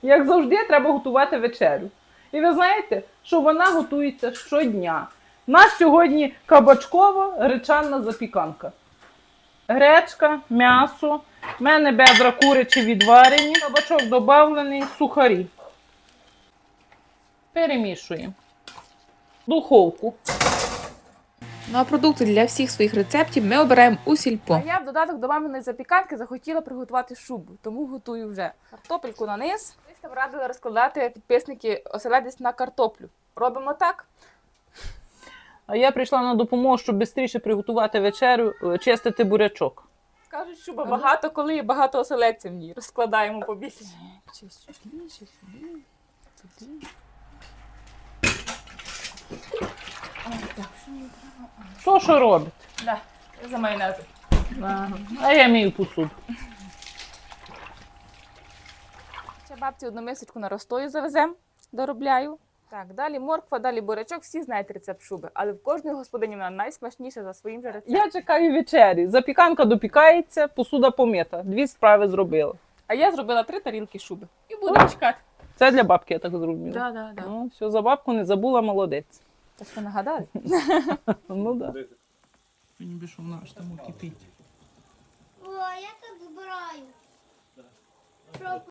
Як завжди, треба готувати вечерю. І ви знаєте, що вона готується щодня. У нас сьогодні кабачкова гречанна запіканка. Гречка, м'ясо, в мене бедра курячі відварені, кабачок додавлений, сухарі. Перемішуємо. Духовку. Ну а продукти для всіх своїх рецептів ми обираємо у сільпо. А я в додаток до маминої запіканки захотіла приготувати шубу, тому готую вже. Картопельку на низ. Десь там радили розкладати підписники оселедець на картоплю. Робимо так. А я прийшла на допомогу, щоб швидше приготувати вечерю, чистити бурячок. Кажуть, шуба багато, коли є багато оселедців в ній. Розкладаємо побільше. Чи сюди, чи сюди, туди. Що робить? Да, за майонезом. Ага. А я мію посуду. Ще бабці одну мисочку на розстою завезем, доробляю. Так, далі морква, далі бурячок. Всі знають рецепт шуби, але в кожної господині вона найсмачніша за своїм же рецептом. Я чекаю вечері. Запіканка допікається, посуда помита. 2 справи зробила. А я зробила 3 тарілки шуби. І буду чекати. Це для бабки, я так зрозуміла. Да. Ну, все, за бабку не забула, молодець. Це що нагадали? Ну так. Да. Мені більше вона аж там кипить. О, я так збираю. Щоб